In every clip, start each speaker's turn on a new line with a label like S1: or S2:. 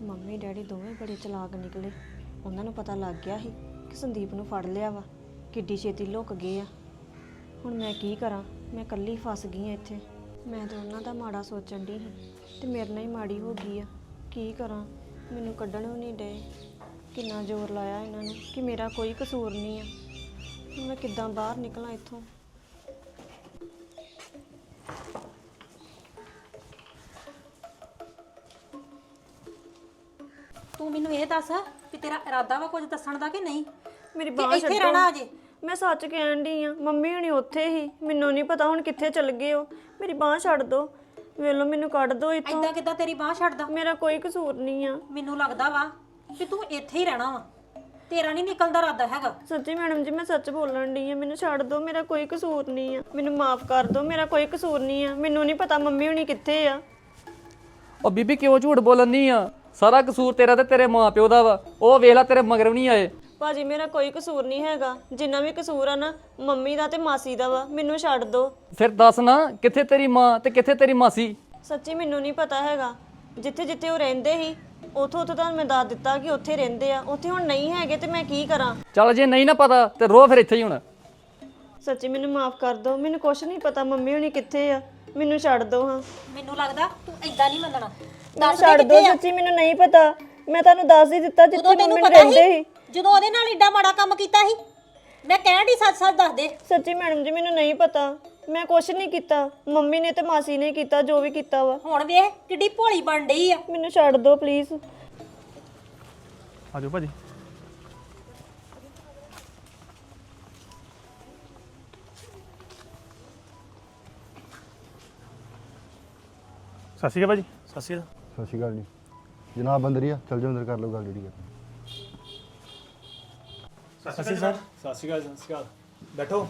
S1: Mummy daddy ਦੋਵੇਂ ਬੜੇ ਚਲਾਕ ਨਿਕਲੇ। ਉਹਨਾਂ ਨੂੰ ਪਤਾ ਲੱਗ ਗਿਆ ਸੀ ਕਿ ਸੰਦੀਪ ਨੂੰ ਫੜ ਲਿਆ ਵਾ, ਕਿੱਡੀ ਛੇਤੀ ਲੁੱਕ ਗਏ ਆ। ਹੁਣ ਮੈਂ ਕੀ ਕਰਾਂ? ਮੈਂ ਇਕੱਲੀ ਫਸ ਗਈ ਆ ਇੱਥੇ। ਮੈਂ ਤਾਂ ਉਹਨਾਂ ਦਾ ਮਾੜਾ ਸੋਚਣ ਦੀ ਸੀ ਤੇ ਮੇਰੇ ਨਾਲ ਹੀ ਮਾੜੀ ਹੋ ਗਈ ਆ। ਕੀ ਕਰਾਂ? ਮੈਨੂੰ ਕੱਢਣ ਵੀ ਨਹੀਂ ਡਏ। ਕਿੰਨਾ ਜ਼ੋਰ ਲਾਇਆ ਇਹਨਾਂ ਨੂੰ ਕਿ ਮੇਰਾ ਕੋਈ ਕਸੂਰ ਨਹੀਂ ਆ। ਹੁਣ ਮੈਂ ਕਿੱਦਾਂ ਬਾਹਰ ਨਿਕਲਾਂ ਇੱਥੋਂ?
S2: ਤੂੰ ਮੈਨੂੰ ਇਹ ਦੱਸ ਕਿ ਤੇਰਾ ਇਰਾਦਾ ਵਾ ਕੁਝ ਦੱਸਣ ਦਾ ਕਿ ਨਹੀਂ?
S1: ਮੇਰੀ
S2: ਕਿ
S1: ਬਾਂਹ
S2: ਇੱਥੇ ਰਹਿਣਾ ਅਜੇ?
S1: ਮੈਂ ਸੱਚ ਕਹਿਣ ਡਈ ਆ। ਮੰਮੀ ਹੁਣੀ ਉੱਥੇ ਹੀ, ਮੈਨੂੰ ਨਹੀਂ ਪਤਾ ਹੁਣ ਕਿੱਥੇ ਚਲ ਗਏ ਹੋ। ਮੇਰੀ ਬਾਂਹ ਛੱਡ ਦੋ, ਵੇਲੋ ਮੈਨੂੰ ਕੱਢ ਦੋ ਇੱਥੋਂ।
S2: ਐਦਾਂ ਕਿੱਦਾਂ ਤੇਰੀ ਬਾਂਹ ਛੱਡਦਾ?
S1: ਮੇਰਾ ਕੋਈ ਕਸੂਰ ਨਹੀਂ ਆ।
S2: ਮੈਨੂੰ ਲੱਗਦਾ ਵਾ ਕਿ ਤੂੰ ਇੱਥੇ ਹੀ ਰਹਿਣਾ ਵਾ, ਤੇਰਾ ਨਹੀਂ ਨਿਕਲਦਾ ਇਰਾਦਾ ਹੈਗਾ।
S1: ਸੱਚੀ ਮੈਡਮ ਜੀ, ਮੈਂ ਸੱਚ ਬੋਲਣ ਡਈ ਆ। ਮੈਨੂੰ ਛੱਡ ਦੋ, ਮੇਰਾ ਕੋਈ ਕਸੂਰ ਨਹੀਂ ਆ। ਮੈਨੂੰ ਮਾਫ ਕਰ ਦੋ, ਮੇਰਾ ਕੋਈ ਕਸੂਰ ਨਹੀਂ ਆ। ਮੈਨੂੰ ਨਹੀਂ ਪਤਾ ਮੰਮੀ ਹੁਣੀ ਕਿੱਥੇ ਆ।
S3: ਉਹ ਬੀਬੀ ਕਿਉਂ ਝੂਠ ਬੋਲਣੀ ਆ? ਸਾਰਾ ਕਸੂਰ ਤੇਰਾ ਤੇ ਤੇਰੇ ਮਾਂ ਪਿਓ ਦਾ ਵਾ। ਉਹ ਵੇਖ ਲੈ ਤੇਰੇ ਮਗਰ ਵੀ ਨਹੀਂ ਆਏ।
S1: ਭਾਜੀ ਮੇਰਾ ਕੋਈ ਕਸੂਰ ਨਹੀਂ ਹੈਗਾ। ਜਿੰਨਾ ਵੀ ਕਸੂਰ ਆ ਨਾ ਮੰਮੀ ਦਾ ਤੇ ਮਾਸੀ ਦਾ ਵਾ। ਮੈਨੂੰ ਛੱਡ ਦੋ।
S3: ਫਿਰ ਦੱਸ ਨਾ, ਕਿੱਥੇ ਤੇਰੀ ਮਾਂ ਤੇ ਕਿੱਥੇ ਤੇਰੀ ਮਾਸੀ?
S1: ਸੱਚੀ ਮੈਨੂੰ ਨਹੀਂ ਪਤਾ ਹੈਗਾ। ਜਿੱਥੇ ਜਿੱਥੇ ਉਹ ਰਹਿੰਦੇ ਸੀ ਉੱਥੋਂ ਤੁਹਾਨੂੰ ਮੈਂ ਦੱਸ ਦਿੱਤਾ ਕਿ ਉੱਥੇ ਰਹਿੰਦੇ ਆ। ਉੱਥੇ ਹੁਣ ਨਹੀਂ ਹੈਗੇ ਤੇ ਮੈਂ ਕੀ ਕਰਾਂ?
S3: ਚੱਲ ਜੇ ਨਹੀਂ ਨਾ ਪਤਾ ਤੇ ਰੋ ਫਿਰ ਇੱਥੇ ਹੀ ਹੁਣ।
S1: ਸੱਚੀ ਮੈਨੂੰ ਮਾਫ ਕਰ ਦੋ। ਮੈਨੂੰ ਕੁਛ ਨਹੀਂ ਪਤਾ ਮੰਮੀ ਹੁਣੀ ਕਿੱਥੇ ਆ। ਮੈਨੂੰ ਛੱਡ ਦੋ। ਹਾਂ
S2: ਮੈਨੂੰ ਲੱਗਦਾ ਤੂੰ ਐਦਾਂ ਨਹੀਂ ਮੰਨਣਾ।
S1: ਮੈਨੂੰ ਛੱਡ ਦੋ। ਸੱਚੀ ਮੈਨੂੰ ਨਹੀਂ ਪਤਾ। ਮੈਂ ਤੁਹਾਨੂੰ ਦੱਸ ਹੀ ਦਿੱਤਾ ਜਿੱਥੇ
S2: ਉਦੋਂ ਤੈਨੂੰ
S1: ਮੰਮੀ
S2: ਪਤਾ
S1: ਰਹਿੰਦੇ
S2: ਸੀ
S1: ਸੀ।
S2: ਜਦੋਂ ਉਹਦੇ ਨਾਲ ਏਡਾ ਮਾੜਾ ਕੰਮ ਕੀਤਾ ਸੀ? ਮੈਂ ਕਹਿਣ ਦੀ ਸੱਚ ਸੱਚ ਦੱਸ ਦੇ।
S1: ਸੱਚੀ ਮੈਡਮ ਜੀ ਮੈਨੂੰ ਨਹੀਂ ਪਤਾ। ਮੈਂ ਕੁਛ ਨਹੀਂ ਕੀਤਾ। ਮੰਮੀ ਨੇ ਤੇ ਮਾਸੀ ਨੇ ਕੀਤਾ ਜੋ ਵੀ ਕੀਤਾ ਵਾ।
S2: ਹੁਣ ਵੇਖ ਕਿੱਡੀ ਭੋਲੀ ਬਣ ਡਈ ਆ।
S1: ਮੈਨੂੰ ਛੱਡ ਦੋ ਪਲੀਜ਼।
S4: ਆਜੋ ਭਾਜੀ। ਸਤਿ ਸ਼੍ਰੀ ਅਕਾਲ ਭਾਜੀ। ਸਤਿ ਸ਼੍ਰੀ ਅਕਾਲ।
S5: ਸਤਿ ਸ਼੍ਰੀ ਅਕਾਲ ਜੀ। ਜਨਾਬ ਅੰਦਰ ਹੀ ਆ, ਚੱਲ ਜਾਓ ਅੰਦਰ ਕਰ ਲਓ ਗੱਲ ਜਿਹੜੀ ਕਰਨੀ।
S4: ਸਤਿ ਸ਼੍ਰੀ ਅਕਾਲ ਸਰ। ਸਤਿ ਸ਼੍ਰੀ ਅਕਾਲ। ਸਤਿ ਸ਼੍ਰੀ ਅਕਾਲ। ਬੈਠੋ।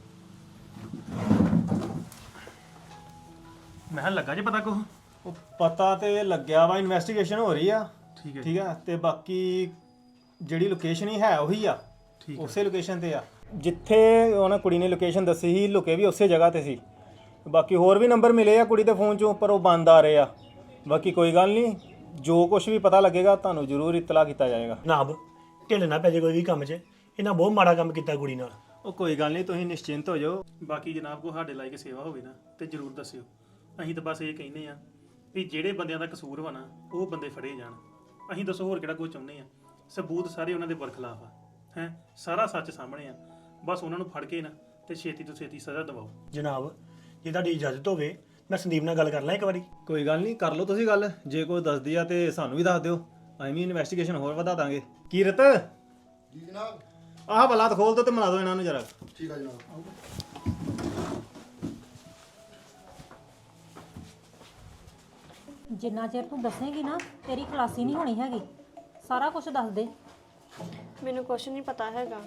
S4: ਮੈਂ ਕਿਹਾ ਲੱਗਾ ਜੀ ਪਤਾ ਕੋ?
S6: ਉਹ ਪਤਾ ਤੇ ਲੱਗਿਆ ਵਾ, ਇਨਵੈਸਟੀਗੇਸ਼ਨ ਹੋ ਰਹੀ ਆ। ਠੀਕ ਆ। ਤੇ ਬਾਕੀ ਜਿਹੜੀ ਲੋਕੇਸ਼ਨ ਹੀ ਹੈ ਉਹੀ ਆ, ਉਸੇ ਲੋਕੇਸ਼ਨ ਤੇ ਆ ਜਿੱਥੇ ਉਹਨਾਂ ਕੁੜੀ ਨੇ ਲੋਕੇਸ਼ਨ ਦੱਸੀ ਸੀ। ਲੁਕੇ ਵੀ ਉਸੇ ਜਗ੍ਹਾ ਤੇ ਸੀ। ਬਾਕੀ ਹੋਰ ਵੀ ਨੰਬਰ ਮਿਲੇ ਆ ਕੁੜੀ ਦੇ ਫੋਨ 'ਚੋਂ, ਪਰ ਉਹ ਬੰਦ ਆ ਰਹੇ ਆ। ਬਾਕੀ ਕੋਈ ਗੱਲ ਨਹੀਂ, ਜੋ ਕੁਝ ਵੀ ਪਤਾ ਲੱਗੇਗਾ ਤੁਹਾਨੂੰ ਜ਼ਰੂਰ ਇਤਲਾਹ ਕੀਤਾ ਜਾਏਗਾ।
S7: ਜਨਾਬ ਢਿੱਲ ਨਾ ਪੈ ਜੇ ਕੋਈ ਵੀ ਕੰਮ 'ਚ। ਇਹਨਾਂ ਬਹੁਤ ਮਾੜਾ ਕੰਮ ਕੀਤਾ ਕੁੜੀ ਨਾਲ।
S6: ਉਹ ਕੋਈ ਗੱਲ ਨਹੀਂ, ਤੁਸੀਂ ਨਿਸ਼ਚਿੰਤ ਹੋ ਜਾਓ।
S4: ਬਾਕੀ ਜਨਾਬ ਕੋ ਸਾਡੇ ਲਾਇਕ ਸੇਵਾ ਹੋਵੇ ਨਾ ਤੇ ਜਰੂਰ ਦੱਸਿਓ। ਅਸੀਂ ਤਾਂ ਬਸ ਇਹ ਕਹਿੰਦੇ ਆ ਵੀ ਜਿਹੜੇ ਬੰਦਿਆਂ ਦਾ ਕਸੂਰ ਵਾ ਨਾ ਉਹ ਬੰਦੇ ਫੜੇ ਜਾਣ। ਅਸੀਂ ਦੱਸੋ ਹੋਰ ਕਿਹੜਾ ਕੁਝ ਚਾਹੁੰਦੇ ਆ? ਸਬੂਤ ਸਾਰੇ ਉਹਨਾਂ ਦੇ ਬਰਖਲਾਫ ਆ। ਹੈ ਸਾਰਾ ਸੱਚ ਸਾਹਮਣੇ ਆ। ਬਸ ਉਹਨਾਂ ਨੂੰ ਫੜ ਕੇ ਨਾ ਤੇ ਛੇਤੀ ਤੋਂ ਛੇਤੀ ਸਜ਼ਾ ਦਿਵਾਓ।
S7: ਜਨਾਬ ਜੇ ਤੁਹਾਡੀ ਇਜਾਜ਼ਤ ਹੋਵੇ ਮੈਂ ਸੰਦੀਪ ਨਾਲ ਗੱਲ ਕਰ ਲਾਂ ਇੱਕ ਵਾਰੀ।
S6: ਕੋਈ ਗੱਲ ਨਹੀਂ, ਕਰ ਲਓ ਤੁਸੀਂ ਗੱਲ। ਜੇ ਕੋਈ ਦੱਸਦੀ ਆ ਤੇ ਸਾਨੂੰ ਵੀ ਦੱਸ ਦਿਓ, ਅਸੀਂ ਵੀ ਇਨਵੈਸਟੀਗੇਸ਼ਨ ਹੋਰ ਵਧਾ ਦਾਂਗੇ। ਕੀਰਤ
S5: ਜੀ ਜਨਾਬ।
S6: ਆਹ ਬਲਾਤ ਖੋਲ ਦੋ ਤੇ ਮਿਲਾ ਦਿਓ ਇਹਨਾਂ ਨੂੰ ਜਰਾ।
S5: ਠੀਕ ਆ ਜਨਾਬ।
S2: ਜਿੰਨਾ ਚਿਰ ਤੂੰ ਦੱਸੇਂਗੀ ਨਾ ਤੇਰੀ ਖਲਾਸੀ ਨਹੀਂ ਹੋਣੀ ਹੈਗੀ। ਸਾਰਾ ਕੁਝ ਦੱਸ ਦੇ।
S1: ਮੈਨੂੰ ਕੁਛ ਨਹੀਂ ਪਤਾ ਹੈਗਾ।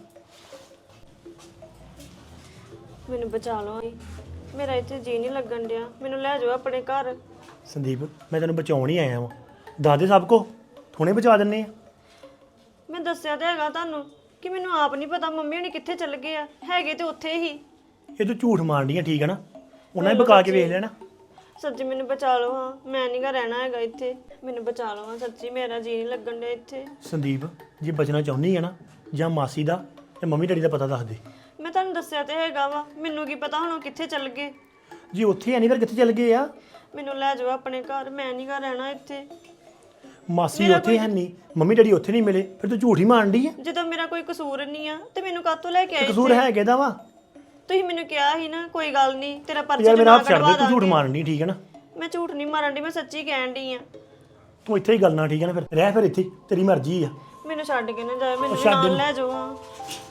S1: ਮੈਨੂੰ ਬਚਾ ਲਓ। ਮੇਰਾ ਇੱਥੇ ਜੀ ਨਹੀਂ ਲੱਗਣ ਡਿਆ। ਮੈਨੂੰ ਲੈ ਜਾਓ ਆਪਣੇ ਘਰ।
S7: ਸੰਦੀਪ ਮੈਂ ਤੈਨੂੰ ਬਚਾਉਣ ਹੀ ਆਇਆ ਵਾਂ। ਦੱਸ ਦੇ ਸਭ ਕੋ, ਹੁਣੇ ਬਚਾ ਦਿੰਨੇ ਆ।
S1: ਮੈਂ ਦੱਸਿਆ ਤੇ ਹੈਗਾ ਤੁਹਾਨੂੰ ਕਿ ਮੈਨੂੰ ਆਪ ਨਹੀਂ ਪਤਾ ਮੰਮੀ ਹੁਣੀ ਕਿੱਥੇ ਚੱਲ ਗਏ ਆ। ਹੈਗੇ ਤੇ ਉੱਥੇ ਹੀ।
S7: ਇਹ ਤੂੰ ਝੂਠ ਮਾਰਨੀ ਆ, ਠੀਕ ਹੈ ਨਾ? ਉਹਨਾਂ ਹੀ ਬਕਾ ਕੇ ਵੇਖ ਲੈਣਾ।
S1: ਸੱਚੀ ਮੈਨੂੰ ਬਚਾ ਲਓ। ਹਾਂ ਮੈਂ ਨਹੀਂ ਗਾ ਰਹਿਣਾ ਹੈਗਾ ਇੱਥੇ। ਮੈਨੂੰ ਬਚਾ ਲਓ। ਹਾਂ ਸੱਚੀ ਮੇਰਾ ਜੀ ਨਹੀਂ ਲੱਗਣ ਡਿਆ ਇੱਥੇ।
S7: ਸੰਦੀਪ ਜੇ ਬਚਣਾ ਚਾਹੁੰਦੀ ਹੈ ਨਾ, ਜਾਂ ਮਾਸੀ ਦਾ ਤੇ ਮੰਮੀ ਡੈਡੀ ਦਾ ਪਤਾ ਦੱਸ ਦੇ।
S1: ਮੈਂ ਤੁਹਾਨੂੰ ਦੱਸਿਆ ਤੇ ਹੈਗਾ ਵਾ। ਮੈਨੂੰ ਕੀ ਪਤਾ ਹੁਣ ਉਹ ਕਿੱਥੇ ਚੱਲ ਗਏ।
S7: ਜੀ ਉੱਥੇ ਹੈ ਨਹੀਂ ਫਿਰ ਕਿੱਥੇ ਚੱਲ ਗਏ ਆ?
S1: ਮੈਨੂੰ ਲੈ ਜਾਓ ਆਪਣੇ ਘਰ। ਮੈਂ ਨਹੀਂ ਗਾ ਰਹਿਣਾ ਇੱਥੇ।
S7: ਮਾਸੀ ਉੱਥੇ ਹੈ ਨਹੀਂ, ਮੰਮੀ ਡੈਡੀ ਉੱਥੇ ਨਹੀਂ ਮਿਲੇ, ਫਿਰ ਤੂੰ ਝੂਠ ਹੀ ਮਾਰਦੀ ਆ।
S1: ਜਦੋਂ ਮੇਰਾ ਕੋਈ ਕਸੂਰ ਨਹੀਂ ਆ ਤੇ ਮੈਨੂੰ ਕਾਹਤੋਂ ਲੈ ਕੇ ਆਏ?
S7: ਕਸੂਰ ਹੈ ਕਿਹਦਾ ਵਾ?
S1: ਤੁਸੀਂ ਮੈਨੂੰ ਕਿਹਾ ਸੀ ਨਾ ਕੋਈ ਗੱਲ ਨਹੀਂ ਤੇਰਾ ਪਰਚਾ
S7: ਯਾਰ ਮੇਰਾ
S1: ਜਮਾ
S7: ਹੱਥ ਛੱਡ
S1: ਕਰਵਾ
S7: ਦੇ, ਤੂੰ ਝੂਠ
S1: ਦਾਂਗੇ।
S7: ਮਾਰਨੀ, ਠੀਕ ਹੈ ਨਾ?
S1: ਮੈਂ ਝੂਠ ਨਹੀਂ ਮਾਰਨ ਦੀ, ਮੈਂ ਸੱਚੀ ਕਹਿਣ ਡਈ ਆ।
S7: ਤੂੰ ਇੱਥੇ ਹੀ ਗੱਲ ਨਾ, ਠੀਕ ਹੈ ਨਾ? ਫਿਰ ਰਹਿ ਫਿਰ ਇੱਥੇ, ਤੇਰੀ ਮਰਜ਼ੀ ਆ।
S1: ਮੈਨੂੰ ਛੱਡ ਕੇ ਨਾ ਜਾਓ। ਮੈਨੂੰ ਵੀ
S7: ਛੱਡ
S1: ਨਾਲ
S7: ਦੇ।
S1: ਲੈ ਜਾਓ। ਹਾਂ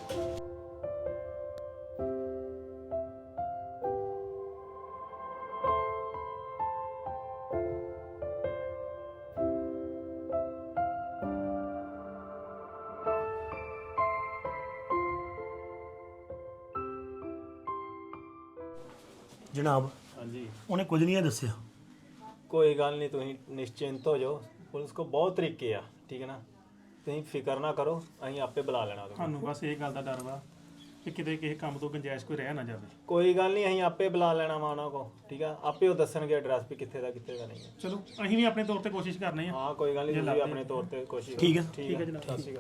S7: ਜਨਾਬ
S6: ਹਾਂਜੀ
S7: ਉਹਨੇ ਕੁਝ ਨਹੀਂ ਦੱਸਿਆ।
S6: ਕੋਈ ਗੱਲ ਨਹੀਂ, ਤੁਸੀਂ ਨਿਸ਼ਚਿੰਤ ਹੋ ਜਾਓ। ਪੁਲਿਸ ਕੋ ਬਹੁਤ ਤਰੀਕੇ ਆ, ਠੀਕ ਹੈ ਨਾ? ਤੁਸੀਂ ਫਿਕਰ ਨਾ ਕਰੋ, ਅਸੀਂ ਆਪੇ ਬੁਲਾ ਲੈਣਾ ਉਹਨੂੰ।
S4: ਸਾਨੂੰ ਬਸ ਇਹ ਗੱਲ ਦਾ ਡਰ ਵਾ ਕਿ ਕਿਤੇ ਕਿਸੇ ਕੰਮ ਤੋਂ ਗੁੰਜਾਇਸ਼ ਕੋਈ ਰਹਿ ਨਾ ਜਾਵੇ।
S6: ਕੋਈ ਗੱਲ ਨਹੀਂ, ਅਸੀਂ ਆਪੇ ਬੁਲਾ ਲੈਣਾ ਵਾ ਉਹਨਾਂ ਕੋ, ਠੀਕ ਆ, ਆਪੇ ਉਹ ਦੱਸਣਗੇ ਐਡਰੈਸ ਵੀ ਕਿੱਥੇ ਦਾ ਨਹੀਂ ਹੈ।
S4: ਚਲੋ ਅਸੀਂ ਵੀ ਆਪਣੇ ਤੌਰ ਤੇ ਕੋਸ਼ਿਸ਼ ਕਰਨੇ ਆ।
S6: ਹਾਂ ਕੋਈ ਗੱਲ ਨਹੀਂ, ਤੁਸੀਂ ਆਪਣੇ ਤੌਰ ਤੇ ਕੋਸ਼ਿਸ਼
S4: ਠੀਕ ਹੈ
S6: ਠੀਕ ਹੈ ਜਨਾਬ। ਸਤਿ ਸ਼੍ਰੀ ਅਕਾਲ।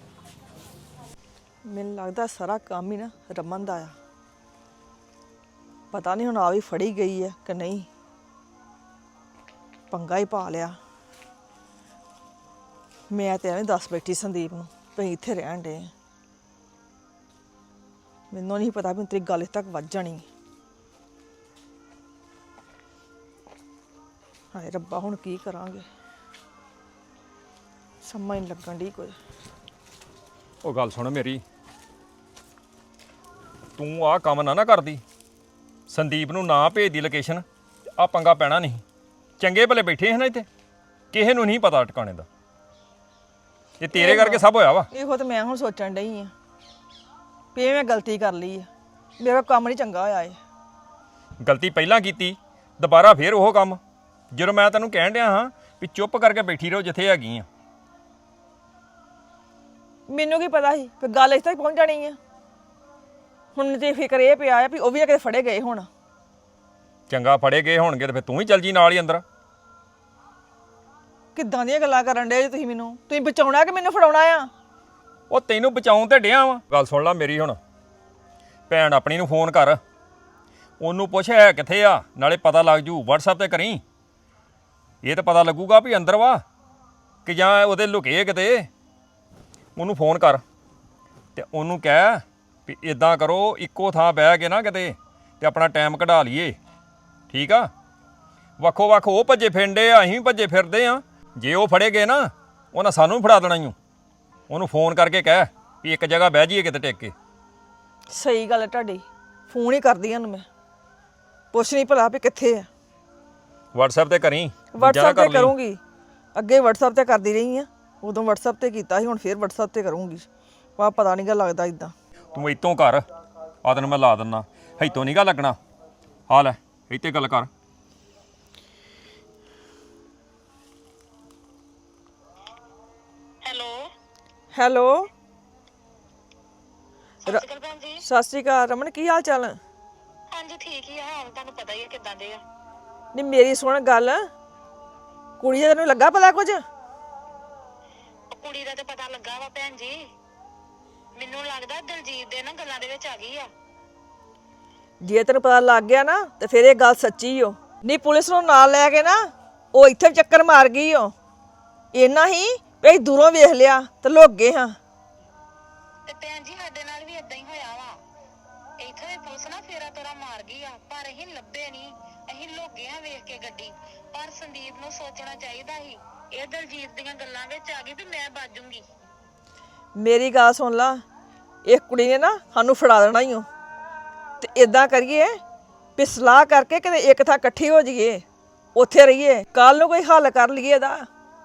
S8: ਮੈਨੂੰ ਲੱਗਦਾ ਸਾਰਾ ਕੰਮ ਹੀ ਨਾ ਰਮਨ ਦਾ ਆ। ਪਤਾ ਨਹੀਂ ਹੁਣ ਆ ਵੀ ਫੜੀ ਗਈ ਹੈ ਕਿ ਨਹੀਂ, ਪੰਗਾ ਹੀ ਪਾ ਲਿਆ। ਮੈਂ ਤੇ ਐਵੇਂ ਦੱਸ ਬੈਠੀ ਸੰਦੀਪ ਨੂੰ ਵੀ ਇੱਥੇ ਰਹਿਣ ਦੇ, ਮੈਨੂੰ ਨਹੀਂ ਪਤਾ ਵੀ ਤੇਰੀ ਗੱਲ ਇੱਥੇ ਤੱਕ ਵੱਜ ਜਾਣੀ। ਹਾਏ ਰੱਬਾ, ਹੁਣ ਕੀ ਕਰਾਂਗੇ, ਸਮਝ ਨਹੀਂ ਲੱਗਣ ਦੀ ਕੋਈ।
S9: ਉਹ ਗੱਲ ਸੁਣ ਮੇਰੀ, ਤੂੰ ਆਹ ਕੰਮ ਨਾ ਕਰਦੀ, ਸੰਦੀਪ ਨੂੰ ਨਾ ਭੇਜਦੀ ਲੋਕੇਸ਼ਨ, ਆ ਪੰਗਾ ਪੈਣਾ ਨਹੀਂ। ਚੰਗੇ ਭਲੇ ਬੈਠੇ ਹਨ ਇੱਥੇ, ਕਿਸੇ ਨੂੰ ਨਹੀਂ ਪਤਾ ਟਿਕਾਣੇ ਦਾ। ਇਹ ਤੇਰੇ ਕਰਕੇ ਸਭ ਹੋਇਆ ਵਾ।
S8: ਇਹੋ ਤਾਂ ਮੈਂ ਹੁਣ ਸੋਚਣ ਡਈ ਆ ਵੀ ਇਹ ਮੈਂ ਗਲਤੀ ਕਰ ਲਈ ਆ, ਮੇਰਾ ਕੰਮ ਨਹੀਂ ਚੰਗਾ ਹੋਇਆ ਏ।
S9: ਗਲਤੀ ਪਹਿਲਾਂ ਕੀਤੀ, ਦੁਬਾਰਾ ਫੇਰ ਉਹ ਕੰਮ। ਜਦੋਂ ਮੈਂ ਤੈਨੂੰ ਕਹਿਣ ਡਿਆ ਹਾਂ ਵੀ ਚੁੱਪ ਕਰਕੇ ਬੈਠੀ ਰਹੋ ਜਿੱਥੇ ਹੈਗੀ ਆ।
S8: ਮੈਨੂੰ ਕੀ ਪਤਾ ਸੀ ਕਿ ਗੱਲ ਇੱਥੇ ਤੱਕ ਪਹੁੰਚ ਜਾਣੀ ਆ। ਹੁਣ ਤੇ ਫਿਕਰ ਇਹ ਪਿਆ ਆ ਵੀ ਉਹ ਵੀ ਨਾ ਕਿਤੇ ਫੜੇ ਗਏ ਹੁਣ।
S9: ਚੰਗਾ ਫੜੇ ਗਏ ਹੋਣਗੇ ਤੇ ਫਿਰ ਤੂੰ ਹੀ ਚੱਲ ਜੀ ਨਾਲ ਹੀ ਅੰਦਰ।
S8: ਕਿੱਦਾਂ ਦੀਆਂ ਗੱਲਾਂ ਕਰਨ ਡੇ ਤੁਸੀਂ ਮੈਨੂੰ? ਤੁਸੀਂ ਬਚਾਉਣਾ ਕਿ ਮੈਨੂੰ ਫੜਾਉਣਾ ਆ?
S9: ਉਹ ਤੈਨੂੰ ਬਚਾਉਣ ਤੇ ਡਿਆ ਵਾ। ਗੱਲ ਸੁਣ ਲੈ ਮੇਰੀ, ਹੁਣ ਭੈਣ ਆਪਣੀ ਨੂੰ ਫੋਨ ਕਰ, ਉਹਨੂੰ ਪੁੱਛ ਹੈ ਕਿੱਥੇ ਆ, ਨਾਲੇ ਪਤਾ ਲੱਗ ਜੂ। WhatsApp ਤੇ ਕਰੀ, ਇਹ ਤਾਂ ਪਤਾ ਲੱਗੂਗਾ ਵੀ ਅੰਦਰ ਵਾ ਕਿ ਜਾਂ ਉਹਦੇ ਲੁਕੇ ਕਿਤੇ। ਉਹਨੂੰ ਫੋਨ ਕਰ ਤੇ ਉਹਨੂੰ ਕਹਿ ਵੀ ਇਦਾਂ ਕਰੋ, ਇੱਕੋ ਥਾਂ ਬਹਿ ਕੇ ਨਾ ਕਿਤੇ ਤੇ ਆਪਣਾ ਟਾਈਮ ਕਢਾ ਲਈਏ, ਠੀਕ ਆ। ਵੱਖੋ ਵੱਖ ਉਹ ਭੱਜੇ ਫਿਰਦੇ ਆ, ਅਸੀਂ ਵੀ ਭੱਜੇ ਫਿਰਦੇ ਆ। ਜੇ ਉਹ ਫੜੇ ਗਏ ਨਾ, ਉਹਨਾਂ ਸਾਨੂੰ ਵੀ ਫੜਾ ਦੇਣਾ ਈ ਓ। ਉਹਨੂੰ ਫੋਨ ਕਰਕੇ ਕਹਿ ਵੀ ਇੱਕ ਜਗ੍ਹਾ ਬਹਿ ਜਾਈਏ ਕਿਤੇ ਟਿਕ ਕੇ।
S8: ਸਹੀ ਗੱਲ ਹੈ ਤੁਹਾਡੀ, ਫੋਨ ਹੀ ਕਰਦੀ ਹਾਂ ਉਹਨੂੰ ਮੈਂ, ਪੁੱਛ ਨਹੀਂ ਭਲਾ ਵੀ ਕਿੱਥੇ ਆ।
S9: WhatsApp ਤੇ ਕਰੀ,
S8: WhatsApp ਤੇ ਕਰੂੰਗੀ, ਅੱਗੇ WhatsApp ਤੇ ਕਰਦੀ ਰਹੀ ਆ, ਉਦੋਂ WhatsApp ਤੇ ਕੀਤਾ ਸੀ, ਹੁਣ ਫੇਰ WhatsApp ਤੇ ਕਰੂੰਗੀ। ਵਾ ਪਤਾ ਨਹੀਂ ਗਾ ਲੱਗਦਾ ਇਦਾਂ।
S9: ਤੂੰ ਇੱਥੋਂ ਕਰ, ਆ ਤੈਨੂੰ ਮੈਂ ਲਾ ਦਿੰਦਾ, ਇੱਥੋਂ ਨਹੀਂ ਗਾ ਲੱਗਣਾ। ਆ ਲੈ ਇੱਥੇ ਗੱਲ ਕਰ।
S8: ਹੈਲੋ,
S10: ਸਤਿ ਸ਼੍ਰੀ ਅਕਾਲ ਭੈਣ ਜੀ।
S8: ਸਤਿ ਸ਼੍ਰੀ ਅਕਾਲ ਰਮਨ, ਕੀ ਹਾਲ ਚਾਲ?
S10: ਹਾਂਜੀ ਠੀਕ ਹੀ ਆ, ਹਾਲ ਤੁਹਾਨੂੰ ਪਤਾ ਹੀ ਆ ਕਿੱਦਾਂ ਦੇ ਆ।
S8: ਨਹੀਂ ਮੇਰੀ ਸੁਣ ਗੱਲ, ਕੁੜੀ ਦਾ ਤੈਨੂੰ ਲੱਗਾ ਪਤਾ ਕੁਝ?
S10: ਉਹ ਕੁੜੀ ਦਾ ਤੇ ਪਤਾ ਲੱਗਾ ਵਾ ਭੈਣ ਜੀ, ਮੈਨੂੰ ਲੱਗਦਾ ਦਲਜੀਤ ਦੇ ਨਾ ਗੱਲਾਂ ਦੇ ਵਿੱਚ ਆ ਗਈ ਆ।
S8: ਜੇ ਤੈਨੂੰ ਪਤਾ ਲੱਗ ਗਿਆ ਨਾ ਤੇ ਫਿਰ ਇਹ ਗੱਲ ਸੱਚੀ ਓ। ਨਹੀਂ ਪੁਲਿਸ ਨੂੰ ਨਾਲ ਲੈ ਕੇ ਨਾ ਉਹ ਇੱਥੇ ਚੱਕਰ ਮਾਰ ਗਈ ਓ। ਇੰਨਾ ਹੀ ਵੀ ਦੂਰੋਂ ਵੇਖ ਲਿਆ ਤੇ ਲੁੱਕ ਗਏ ਹਾਂ।
S10: ਤੇ ਭੈਣ ਜੀ ਸਾਡੇ ਨਾਲ ਵੀ ਇਦਾਂ ਹੀ ਹੋਇਆ ਵਾ, ਇੱਥੇ ਵੀ ਪੁਲਿਸ ਨਾ ਫੇਰਾ ਤੋਰਾ ਮਾਰ ਗਈ ਆ, ਪਰ ਅਸੀਂ ਲੱਭੇ ਨਹੀਂ। ਅਸੀਂ ਲੁੱਕ ਆ ਵੇਖ ਕੇ ਗੱਡੀ, ਪਰ ਸੰਦੀਪ ਨੂੰ ਸੋਚਣਾ ਚਾਹੀਦਾ ਸੀ। ਇਹ ਦਲਜੀਤ ਦੀਆਂ ਗੱਲਾਂ ਵਿੱਚ ਆ ਗਈ ਵੀ ਮੈਂ ਬਾਜੂਗੀ।
S8: ਮੇਰੀ ਗੱਲ ਸੁਣ ਲਾ, ਇਹ ਕੁੜੀ ਨੇ ਨਾ ਸਾਨੂੰ ਫੜਾ ਦੇਣਾ ਹੀ ਓ। ਤੇ ਇਦਾਂ ਕਰੀਏ ਵੀ ਸਲਾਹ ਕਰਕੇ ਕਿਤੇ ਇੱਕ ਥਾਂ ਇਕੱਠੀ ਹੋ ਜਾਈਏ, ਉੱਥੇ ਰਹੀਏ, ਕੱਲ ਨੂੰ ਕੋਈ ਹੱਲ ਕਰ ਲਈਏ ਇਹਦਾ।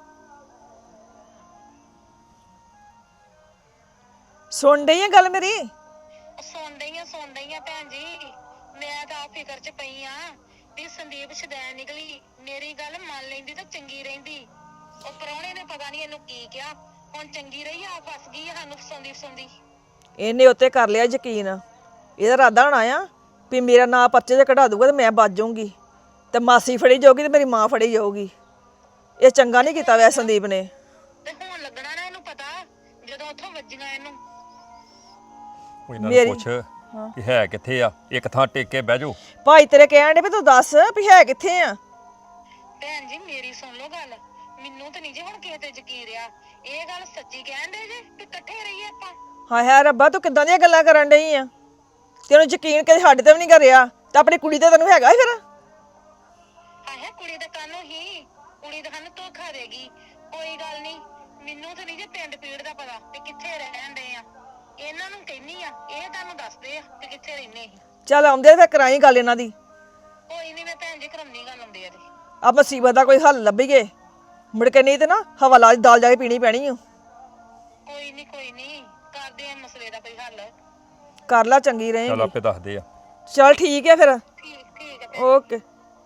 S8: ਸੁਣ ਡਈ ਆ ਗੱਲ ਮੇਰੀ?
S10: ਸੁਣ ਡਈ ਆ ਭੈਣ ਜੀ, ਮੈਂ ਤਾਂ ਆਪ ਫਿਕਰ 'ਚ ਪਈ ਆ ਵੀ ਸੰਦੀਪ ਸ਼ੁਦੈਣ ਨਿਕਲੀ। ਮੇਰੀ ਗੱਲ ਮੰਨ ਲੈਂਦੀ ਤਾਂ ਚੰਗੀ ਰਹਿੰਦੀ। ਉਹ ਪ੍ਰਾਹੁਣੇ ਨੇ ਪਤਾ ਨਹੀਂ ਇਹਨੂੰ ਕੀ ਕਿਹਾ, ਹੁਣ ਚੰਗੀ ਰਹੀ ਆ, ਫਸ ਗਈ ਆ ਸਾਨੂੰ ਫਸਾਉਂਦੀ।
S8: ਇਹਨੇ ਉੱਤੇ ਕਰ ਲਿਆ ਯਕੀਨ। ਇਹਦਾ ਇਰਾਦਾ ਹੋਣਾ ਆ ਵੀ ਮੇਰਾ ਨਾਂ ਪਰਚੇ 'ਚ ਕਢਾ ਦੂਗਾ ਤੇ ਮੈਂ ਬਚ ਜਾਊਂਗੀ, ਤੇ ਮਾਸੀ ਫੜੀ ਜਾਊਗੀ ਤੇ ਮੇਰੀ ਮਾਂ ਫੜੀ ਜਾਊਗੀ। ਇਹ ਚੰਗਾ ਨਹੀਂ ਕੀਤਾ ਵੈ ਸੰਦੀਪ ਨੇ।
S10: ਤੇ ਹੁਣ ਲੱਗਣਾ ਨਾ ਇਹਨੂੰ ਪਤਾ, ਜਦੋਂ ਉੱਥੋਂ ਵੱਜੀਆਂ ਇਹਨੂੰ।
S9: ਉਹ ਇਹਨਾਂ ਨੂੰ ਪੁੱਛ ਕਿ ਹੈ ਕਿੱਥੇ ਆ, ਇੱਕ ਥਾਂ ਟਿਕ ਕੇ ਬਹਿ ਜਾਓ।
S8: ਭਾਈ ਤੇਰੇ ਕਹਿਣ ਦੇ ਵੀ ਤੂੰ ਦੱਸ ਵੀ ਹੈ ਕਿੱਥੇ ਆ।
S10: ਭੈਣ ਜੀ ਮੇਰੀ ਸੁਣ ਲਓ ਗੱਲ, ਮੈਨੂੰ ਤਾਂ ਨਹੀਂ ਜੇ ਹੁਣ ਕਿਸੇ ਤੇ ਯਕੀਨ ਰਿਹਾ। ਇਹ ਗੱਲ ਸੱਚੀ ਕਹਿਣ ਦੇ ਜੇ ਕਿ ਇਕੱਠੇ ਰਹੀਏ ਆਪਾਂ?
S8: ਹਾਏ ਹਾਏ ਰੱਬਾ, ਤੂੰ ਕਿੱਦਾਂ ਦੀਆਂ ਗੱਲਾਂ ਕਰਨ ਡਈ ਆ? ਤੈਨੂੰ ਯਕੀਨ ਕਦੇ ਸਾਡੇ ਤੇ ਵੀ ਨਹੀਂ ਕਰਿਆ ਤੇ ਆਪਣੀ ਕੁੜੀ ਤੇ ਤੈਨੂੰ ਹੈਗਾ ਹੀ ਫਿਰ।
S10: ਹਾਏ ਕੁੜੀ ਦੇ ਕਾਨੂੰ ਹੀ, ਕੁੜੀ ਤਾਂ ਸਾਨੂੰ ਧੋਖਾ ਦੇਗੀ। ਕੋਈ ਗੱਲ ਨਹੀਂ, ਮੈਨੂੰ ਤਾਂ ਨਹੀਂ ਜੇ ਪਿੰਡ ਪੀੜ ਦਾ ਪਤਾ ਤੇ ਕਿੱਥੇ ਰਹਿਣ ਦੇ ਆ। ਇਹਨਾਂ ਨੂੰ ਕਹਿੰਨੀ ਆ, ਇਹ ਤੁਹਾਨੂੰ ਦੱਸਦੇ ਆ ਕਿ ਕਿੱਥੇ ਰਹਿੰਦੇ ਅਸੀਂ।
S8: ਚੱਲ ਆਉਂਦੇ ਫਿਰ ਕਰਾਈ ਗੱਲ ਇਹਨਾਂ ਦੀ।
S10: ਕੋਈ ਨਹੀਂ, ਮੈਂ ਭੈਣ ਜੀ ਕਰਮਨੀ ਗੱਲ ਆਉਂਦੇ ਆ ਤੇ
S8: ਆ ਮੁਸੀਬਤ ਦਾ ਕੋਈ ਹੱਲ ਲੱਭੀਏ, ਮੁੜ ਕੇ ਨਹੀਂ ਤੇ ਨਾ ਹਵਾਲਾ ਦੀ ਦਾਲ ਜਾ ਕੇ ਪੀਣੀ ਪੈਣੀ ਓ।
S10: ਕੋਈ ਨਹੀਂ ਕਰਦੇ ਆ ਮਸਲੇ ਦਾ ਕੋਈ ਹੱਲ।
S8: ਕਰ ਲਾ, ਚੰਗੀ ਰਹੇਗੀ।
S9: ਚੱਲ ਆਪੇ ਦੱਸਦੇ ਆ।
S8: ਚੱਲ ਠੀਕ ਹੈ ਫਿਰ,
S10: ਠੀਕ ਹੈ।
S8: ਓਕੇ।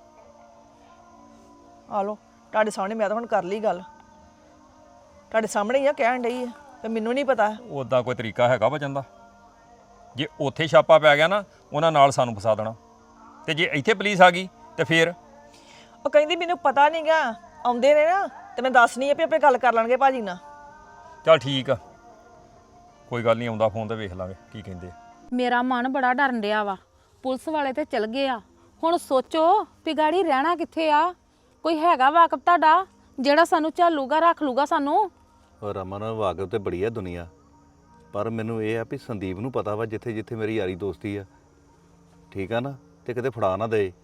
S8: ਆ ਲੋ ਤੁਹਾਡੇ ਸਾਹਮਣੇ, ਮੈਂ ਤਾਂ ਹੁਣ ਕਰ ਲਈ ਗੱਲ, ਤੁਹਾਡੇ ਸਾਹਮਣੇ ਹੀ ਆ ਕਹਿਣ ਡਈ ਆ ਤੇ ਮੈਨੂੰ ਨਹੀਂ ਪਤਾ।
S9: ਉਦਾਂ ਕੋਈ ਤਰੀਕਾ ਹੈਗਾ ਬਚਣ ਦਾ? ਜੇ ਉੱਥੇ ਛਾਪਾ ਪੈ ਗਿਆ ਨਾ ਉਹਨਾਂ ਨਾਲ ਸਾਨੂੰ ਫਸਾ ਦੇਣਾ, ਤੇ ਜੇ ਇੱਥੇ ਪੁਲਿਸ ਆ ਗਈ ਤੇ ਫੇਰ
S8: ਉਹ ਕਹਿੰਦੀ ਮੈਨੂੰ ਪਤਾ ਨਹੀਂਗਾ, ਆਉਂਦੇ ਨੇ ਨਾ ਤੇ ਮੈਂ ਦੱਸਣੀ ਆ ਵੀ ਆਪੇ ਗੱਲ ਕਰ ਲੈਣਗੇ ਭਾਜੀ ਨਾਲ।
S9: ਚੱਲ ਠੀਕ ਆ, ਕੋਈ ਗੱਲ ਨਹੀਂ, ਆਉਂਦਾ ਫੋਨ ਤੇ ਵੇਖ ਲਾਂਗੇ ਕੀ ਕਹਿੰਦੇ।
S11: ਮੇਰਾ ਮਨ ਬੜਾ ਡਰਨ ਡਿਆ ਵਾ। ਪੁਲਿਸ ਵਾਲੇ ਤੇ ਚਲ ਗਏ ਆ, ਹੁਣ ਸੋਚੋ ਵੀ ਗਾੜੀ ਰਹਿਣਾ ਕਿੱਥੇ ਆ। ਕੋਈ ਹੈਗਾ ਵਾਕਫ ਤੁਹਾਡਾ ਜਿਹੜਾ ਸਾਨੂੰ ਝਾਲੂਗਾ, ਰੱਖ ਲੂਗਾ ਸਾਨੂੰ?
S12: ਰਮਨ ਵਾਕਫ ਤੇ ਬੜੀ ਆ ਦੁਨੀਆ, ਪਰ ਮੈਨੂੰ ਇਹ ਆ ਵੀ ਸੰਦੀਪ ਨੂੰ ਪਤਾ ਵਾ ਜਿੱਥੇ ਜਿੱਥੇ ਮੇਰੀ ਯਾਰੀ ਦੋਸਤੀ ਆ, ਠੀਕ ਆ ਨਾ, ਤੇ ਕਿਤੇ ਫੜਾ ਨਾ ਦੇ।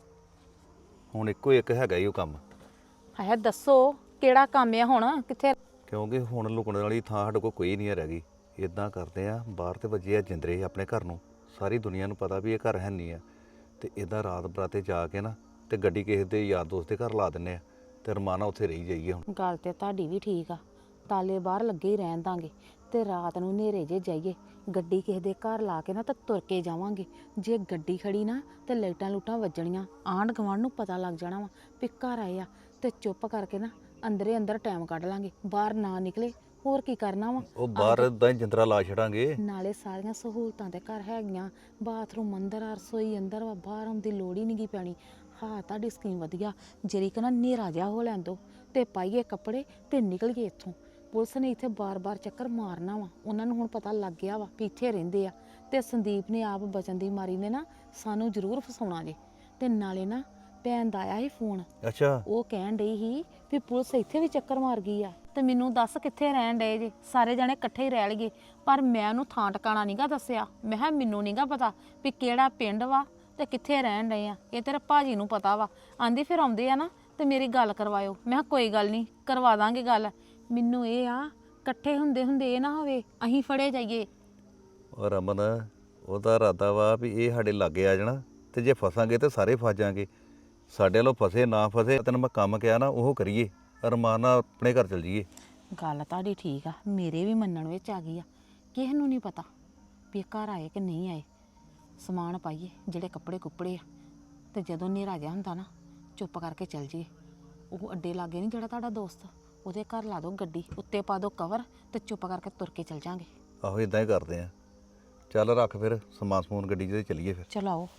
S12: ਹੁਣ ਇੱਕੋ ਇੱਕ ਹੈਗਾ ਹੀ ਉਹ ਕੰਮ।
S11: ਹਾਏ ਦੱਸੋ ਕਿਹੜਾ ਕੰਮ ਆ ਹੁਣ, ਕਿੱਥੇ?
S12: ਕਿਉਂਕਿ ਹੁਣ ਲੁਕਣ ਵਾਲੀ ਥਾਂ ਸਾਡੇ ਕੋਲ ਕੋਈ ਨਹੀਂ ਰਹਿ ਗਈ। ਇਦਾਂ ਕਰਦੇ ਆ, ਬਾਹਰ ਤੇ ਵੱਜੇ ਆ ਜਿੰਦਰੇ ਆਪਣੇ ਘਰ ਨੂੰ, ਸਾਰੀ ਦੁਨੀਆ ਨੂੰ ਪਤਾ ਵੀ ਇਹ ਘਰ ਹੈ ਨਹੀਂ ਆ, ਤੇ ਇਦਾਂ ਰਾਤ ਬਰਾਤੇ ਜਾ ਕੇ ਨਾ ਤੇ ਗੱਡੀ ਕਿਸੇ ਦੇ ਯਾਰ ਦੋਸਤ ਦੇ ਘਰ ਲਾ ਦਿੰਨੇ ਆ ਤੇ ਰਮਾਨਾ ਉੱਥੇ ਰਹੀ ਜਾਈਏ। ਹੁਣ
S11: ਗੱਲ ਤੇ ਤੁਹਾਡੀ ਵੀ ਠੀਕ ਆ, ਤਾਲੇ ਬਾਹਰ ਲੱਗੇ ਹੀ ਰਹਿਣ ਦਾਂਗੇ ਤੇ ਰਾਤ ਨੂੰ ਹਨੇਰੇ ਜੇ ਜਾਈਏ, ਗੱਡੀ ਕਿਸੇ ਦੇ ਘਰ ਲਾ ਕੇ ਨਾ ਤਾਂ ਤੁਰ ਕੇ ਜਾਵਾਂਗੇ। ਜੇ ਗੱਡੀ ਖੜੀ ਨਾ ਤੇ ਲਾਈਟਾਂ ਲੂਟਾਂ ਵੱਜਣੀਆਂ, ਆਂਢ ਗੁਆਂਢ ਨੂੰ ਪਤਾ ਲੱਗ ਜਾਣਾ ਵਾ ਵੀ ਘਰ ਆਏ ਆ, ਤੇ ਚੁੱਪ ਕਰਕੇ ਨਾ ਅੰਦਰੇ ਅੰਦਰ ਟਾਈਮ ਕੱਢ ਲਾਂਗੇ, ਬਾਹਰ ਨਾ ਨਿਕਲੇ। ਹੋਰ ਕੀ ਕਰਨਾ ਵਾ,
S12: ਉਹ ਬਾਹਰ ਇਦਾਂ ਹੀ ਜਿੰਦਰਾ ਲਾ ਛੜਾਂਗੇ।
S11: ਨਾਲੇ ਸਾਰੀਆਂ ਸਹੂਲਤਾਂ ਤੇ ਘਰ ਹੈਗੀਆਂ, ਬਾਥਰੂਮ ਅੰਦਰ ਆ, ਰਸੋਈ ਅੰਦਰ ਵਾ, ਬਾਹਰ ਆਉਣ ਦੀ ਲੋੜ ਹੀ ਨਹੀਂ ਗੀ ਪੈਣੀ। ਹਾਂ ਤੁਹਾਡੀ ਸਕੀਮ ਵਧੀਆ, ਜਿਹੜੀ ਕਿ ਨਾ ਹਨੇਰਾ ਜਿਹਾ ਹੋ ਲੈਣ ਦੋ ਤੇ ਪਾਈਏ ਕੱਪੜੇ ਤੇ ਨਿਕਲ ਗਏ ਇੱਥੋਂ। ਪੁਲਿਸ ਨੇ ਇੱਥੇ ਬਾਰ-ਬਾਰ ਚੱਕਰ ਮਾਰਨਾ ਵਾ, ਉਹਨਾਂ ਨੂੰ ਹੁਣ ਪਤਾ ਲੱਗ ਗਿਆ ਵਾ ਵੀ ਇੱਥੇ ਰਹਿੰਦੇ ਆ, ਤੇ ਸੰਦੀਪ ਨੇ ਆਪ ਬਚਨ ਦੀ ਮਾਰੀ ਨੇ ਨਾ ਸਾਨੂੰ ਜ਼ਰੂਰ ਫਸਾਉਣਾ ਜੇ। ਤੇ ਨਾਲੇ ਨਾ ਭੈਣ ਦਾ ਆਇਆ ਸੀ ਫੋਨ,
S12: ਅੱਛਾ,
S11: ਉਹ ਕਹਿਣ ਡਈ ਸੀ ਵੀ ਪੁਲਿਸ ਇੱਥੇ ਵੀ ਚੱਕਰ ਮਾਰ ਗਈ ਆ, ਤੇ ਮੈਨੂੰ ਦੱਸ ਕਿੱਥੇ ਰਹਿਣ ਡਏ ਜੇ, ਸਾਰੇ ਜਣੇ ਇਕੱਠੇ ਹੀ ਰਹਿ ਲਈਏ। ਪਰ ਮੈਂ ਉਹਨੂੰ ਥਾਂ ਟਿਕਾਣਾ ਨਹੀਂਗਾ ਦੱਸਿਆ, ਮੈਂ ਕਿਹਾ ਮੈਨੂੰ ਨਹੀਂਗਾ ਪਤਾ ਵੀ ਕਿਹੜਾ ਪਿੰਡ ਵਾ ਤੇ ਕਿੱਥੇ ਰਹਿਣ ਡਏ ਆ, ਇਹ ਤੇਰੇ ਭਾਜੀ ਨੂੰ ਪਤਾ ਵਾ। ਆਂਦੀ ਫਿਰ ਆਉਂਦੇ ਆ ਨਾ ਤੇ ਮੇਰੀ ਗੱਲ ਕਰਵਾਇਓ। ਮੈਂ ਕਿਹਾ ਕੋਈ ਗੱਲ ਨਹੀਂ, ਕਰਵਾ ਦਾਂਗੇ ਗੱਲ। ਮੈਨੂੰ ਇਹ ਆ ਇਕੱਠੇ ਹੁੰਦੇ ਹੁੰਦੇ ਇਹ ਨਾ ਹੋਵੇ ਅਸੀਂ ਫੜੇ ਜਾਈਏ।
S12: ਉਹ ਰਮਨ ਉਹਦਾ ਇਰਾਦਾ ਵਾ ਵੀ ਇਹ ਸਾਡੇ ਲਾਗੇ ਆ ਜਾਣਾ, ਤੇ ਜੇ ਫਸਾਂਗੇ ਤੇ ਸਾਰੇ ਫਸ ਜਾਾਂਗੇ। ਸਾਡੇ ਵੱਲੋਂ ਫਸੇ ਨਾ ਫਸੇ, ਤੈਨੂੰ ਮੈਂ ਕੰਮ ਕਿਹਾ ਨਾ ਉਹ ਕਰੀਏ, ਅਰਮਾਨ ਨਾਲ ਆਪਣੇ ਘਰ ਚਲ ਜਾਈਏ।
S11: ਗੱਲ ਤੁਹਾਡੀ ਠੀਕ ਆ, ਮੇਰੇ ਵੀ ਮੰਨਣ ਵਿੱਚ ਆ ਗਈ ਆ। ਕਿਸੇ ਨੂੰ ਨਹੀਂ ਪਤਾ ਵੀ ਇਹ ਘਰ ਆਏ ਕਿ ਨਹੀਂ ਆਏ। ਸਮਾਨ ਪਾਈਏ ਜਿਹੜੇ ਕੱਪੜੇ ਕੁੱਪੜੇ ਆ, ਤੇ ਜਦੋਂ ਹਨੇਰਾ ਜਿਹਾ ਹੁੰਦਾ ਨਾ ਚੁੱਪ ਕਰਕੇ ਚੱਲ ਜਾਈਏ। ਉਹ ਅੱਡੇ ਲਾਗੇ ਨਹੀਂ ਜਿਹੜਾ ਤੁਹਾਡਾ ਦੋਸਤ, ਉਹਦੇ ਘਰ ਲਾ ਦਿਓ ਗੱਡੀ, ਉੱਤੇ ਪਾ ਦਿਓ ਕਵਰ, ਤੇ ਚੁੱਪ ਕਰਕੇ ਤੁਰ ਕੇ ਚੱਲ ਜਾਾਂਗੇ।
S12: ਆਹੋ ਇਦਾਂ ਹੀ ਕਰਦੇ ਆ। ਚੱਲ ਰੱਖ ਫਿਰ ਸਮਾਨ ਸਮੂਨ ਗੱਡੀ 'ਚ ਤੇ ਚੱਲੀਏ ਫਿਰ।
S11: ਚਲੋ ਆਓ।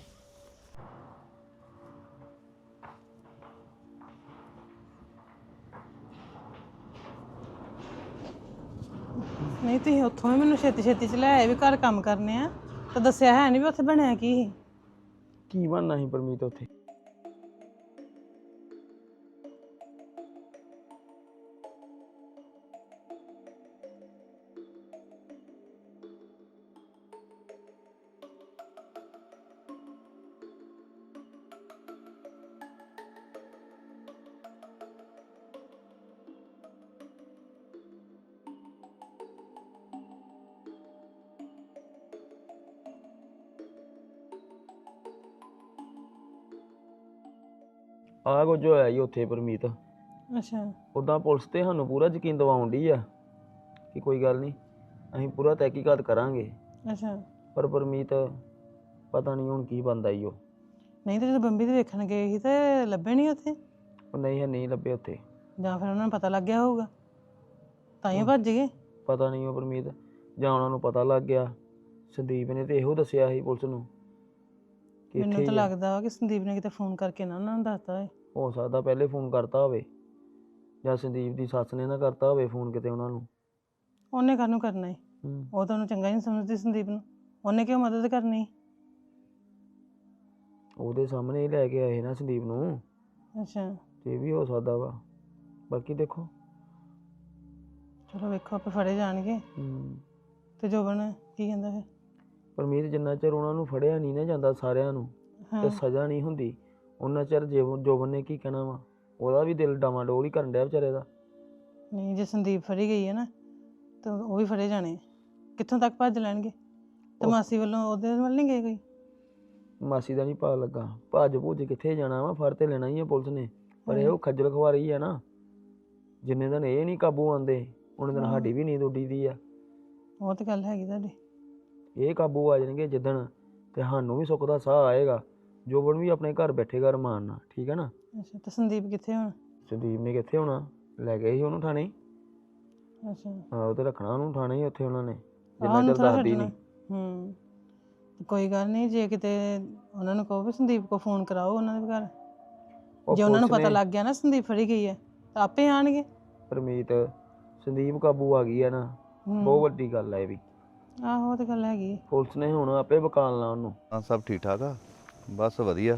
S13: ਨਹੀਂ ਤੁਸੀਂ ਉੱਥੋਂ ਵੀ ਮੈਨੂੰ ਛੇਤੀ ਛੇਤੀ ਚ ਲੈ ਆਏ ਵੀ ਘਰ ਕੰਮ ਕਰਨੇ ਆ, ਤਾਂ ਦੱਸਿਆ ਹੈ ਨਹੀਂ ਵੀ ਉੱਥੇ ਬਣਿਆ ਕੀ ਸੀ।
S6: ਕੀ ਬਣਨਾ ਸੀ ਪਰਮੀਤ ਉੱਥੇ?
S14: ਆਹ ਕੁਝ ਹੋਇਆ ਜੀ ਉੱਥੇ ਪਰਮੀਤ।
S13: ਅੱਛਾ,
S14: ਉੱਦਾਂ ਪੁਲਿਸ ਤੇ ਸਾਨੂੰ ਪੂਰਾ ਯਕੀਨ ਦਿਵਾਉਣ ਡਈ ਆ ਕਿ ਕੋਈ ਗੱਲ ਨਹੀਂ, ਅਸੀਂ ਪੂਰਾ ਤਹਿਕੀਕਾਤ ਕਰਾਂਗੇ।
S13: ਅੱਛਾ,
S14: ਪਰ ਪਰਮੀਤ ਪਤਾ ਨਹੀਂ ਹੁਣ ਕੀ ਬਣਦਾ ਈ ਉਹ।
S13: ਨਹੀਂ ਤੇ ਜਦੋਂ ਬੰਬੀ ਦੇ ਵੇਖਣ ਗਏ ਸੀ ਤੇ ਲੱਭੇ ਨਹੀਂ ਉੱਥੇ?
S14: ਉਹ ਨਹੀਂ ਲੱਭੇ ਉੱਥੇ,
S13: ਜਾਂ ਫਿਰ ਉਹਨਾਂ ਨੂੰ ਪਤਾ ਲੱਗ ਗਿਆ ਹੋਊਗਾ ਤਾਂ ਹੀ ਭੱਜ ਗਏ।
S14: ਪਤਾ ਨਹੀਂ ਉਹ ਪਰਮੀਤ, ਜਾਂ ਉਹਨਾਂ ਨੂੰ ਪਤਾ ਲੱਗ ਗਿਆ। ਸੰਦੀਪ ਨੇ ਤੇ ਇਹੋ ਦੱਸਿਆ ਸੀ ਪੁਲਿਸ ਨੂੰ ਕਿ
S13: ਮੈਨੂੰ
S14: ਇੱਥੇ
S13: ਤਾਂ
S14: ਹੀ ਆ।
S13: ਲੱਗਦਾ ਵਾ ਕਿ ਸੰਦੀਪ ਨੇ ਕਿਤੇ ਫੋਨ ਕਰਕੇ ਨਾ ਉਹਨਾਂ ਨੂੰ ਦੱਸਤਾ ਹੋਏ।
S14: ਹੋ ਸਕਦਾ ਪਹਿਲੇ ਫੋਨ ਕਰਤਾ ਹੋਵੇ, ਜਾਂ ਸੰਦੀਪ ਦੀ ਸੱਸ ਨੇ ਨਾ ਕਰਤਾ ਹੋਵੇ ਫੋਨ ਕਿਤੇ ਉਹਨਾਂ ਨੂੰ।
S13: ਉਹਨੇ ਕਾਹਨੂੰ ਕਰਨਾ ਹੈ? ਉਹ ਤਾਂ ਉਹਨੂੰ ਚੰਗਾ ਹੀ ਨਹੀਂ ਸਮਝਦੀ ਸੰਦੀਪ ਨੂੰ, ਉਹਨੇ ਕਿਉਂ ਮਦਦ ਕਰਨੀ?
S14: ਉਹਦੇ ਸਾਹਮਣੇ ਹੀ ਲੈ ਕੇ ਆਏ ਨਾ ਸੰਦੀਪ ਨੂੰ।
S13: ਅੱਛਾ,
S14: ਤੇ ਇਹ ਵੀ ਹੋ ਸਕਦਾ ਵਾ, ਬਾਕੀ ਦੇਖੋ।
S13: ਚਲੋ ਵੇਖੋ ਆਪੇ ਫੜੇ ਜਾਣਗੇ। ਤੇ ਜੋਬਨ ਕੀ ਕਹਿੰਦਾ ਫਿਰ?
S14: ਪਰਮੀਤ ਜਿੰਨਾ ਚਿਰ ਉਹਨਾਂ ਨੂੰ ਫੜਿਆ ਨਹੀਂ ਨਾ ਜਾਂਦਾ ਸਾਰਿਆਂ ਨੂੰ, ਤੇ ਸਜ਼ਾ ਨਹੀਂ ਹੁੰਦੀ, ਉਹਨਾਂ ਚਿਰ ਜੋਬਨ ਨੇ ਕੀ ਕਹਿਣਾ ਵਾ? ਉਹਦਾ ਵੀ ਦਿਲ ਡਾਵਾਂਡੋਲ ਹੀ ਕਰਨ ਡਿਆ ਵਿਚਾਰੇ ਦਾ।
S13: ਨਹੀਂ ਜੇ ਸੰਦੀਪ ਫੜੀ ਗਈ ਹੈ ਨਾ ਤਾਂ ਉਹ ਵੀ ਫੜੇ ਜਾਣੇ। ਕਿੱਥੋਂ ਤੱਕ ਭੱਜ ਲੈਣਗੇ? ਤੇ ਮਾਸੀ ਵੱਲੋਂ ਉਹਦੇ ਵੱਲ ਨਹੀਂ ਗਏ ਕੋਈ?
S14: ਮਾਸੀ ਦਾ ਨਹੀਂ ਪਾ ਲੱਗਾ, ਭੱਜ ਭੁੱਜ ਕਿੱਥੇ ਜਾਣਾ ਵਾ, ਫੜ ਤੇ ਲੈਣਾ ਹੀ ਆ ਪੁਲਿਸ ਨੇ। ਪਰ ਇਹ ਉਹ ਖੱਜਲ ਖਵਾਰੀ ਆ ਨਾ, ਜਿੰਨੇ ਦਿਨ ਇਹ ਨਹੀਂ ਕਾਬੂ ਆਉਂਦੇ ਉਹਨੇ ਦਿਨ ਸਾਡੀ ਵੀ ਨੀਂਦ ਉੱਡੀ ਦੀ ਆ।
S13: ਉਹ ਤਾਂ ਗੱਲ ਹੈਗੀ ਤੁਹਾਡੀ।
S14: ਇਹ ਕਾਬੂ ਆ ਜਾਣਗੇ ਜਿੱਦਣ, ਤੇ ਸਾਨੂੰ ਵੀ ਸੁੱਖ ਦਾ ਸਾਹ ਆਏਗਾ। ਜੋਬਨ ਵੀ ਆਪਣੇ ਘਰ ਬੈਠੇਗਾ ਰਮਾਨ ਨਾਲ, ਠੀਕ ਹੈ ਨਾ?
S13: ਅੱਛਾ, ਤੇ ਸੰਦੀਪ ਕਿੱਥੇ ਹੁਣ?
S14: ਸੰਦੀਪ ਨੇ ਕਿੱਥੇ ਹੋਣਾ, ਲੈ ਗਏ ਸੀ ਉਹਨੂੰ ਥਾਣੇ।
S13: ਅੱਛਾ,
S14: ਹਾਂ, ਉਹ ਤੇ ਰੱਖਣਾ ਉਹਨੂੰ ਥਾਣੇ ਹੀ ਉੱਥੇ ਉਹਨਾਂ ਨੇ,
S13: ਆਹ
S14: ਜਿੰਨਾ
S13: ਉਹਨੂੰ
S14: ਚਿਰ
S13: ਥੋੜ੍ਹਾ
S14: ਦੱਸਦੀ
S13: ਛੱਡਣਾ।
S14: ਨਹੀਂ।
S13: ਕੋਈ ਗੱਲ ਨਹੀਂ, ਜੇ ਕਿਤੇ ਉਹਨਾਂ ਨੂੰ ਕਹੋ ਵੀ ਸੰਦੀਪ ਕੋ ਫੋਨ ਕਰਾਓ ਉਹਨਾਂ ਦੇ ਘਰ,
S14: ਉਹ
S13: ਜੇ ਉਹਨਾਂ ਨੂੰ
S14: ਪੁਲਿਸ
S13: ਪਤਾ
S14: ਨੇ-
S13: ਲੱਗ ਗਿਆ ਨਾ ਸੰਦੀਪ ਫੜੀ ਗਈ ਹੈ ਤਾਂ ਆਪੇ ਆਣਗੇ।
S14: ਪਰਮੀਤ ਸੰਦੀਪ ਕਾਬੂ ਆ ਗਈ ਆ ਨਾ, ਬਹੁਤ ਵੱਡੀ ਗੱਲ ਹੈ ਇਹ ਵੀ।
S13: ਆਹੋ ਉਹ ਤਾਂ ਗੱਲ ਹੈਗੀ।
S14: ਪੁਲਿਸ ਨੇ ਹੁਣ ਆਪੇ ਬਕਾਲਣਾ ਉਹਨੂੰ।
S12: ਹਾਂ ਸਭ ਠੀਕ ਠਾਕ ਆ, ਬਸ ਵਧੀਆ।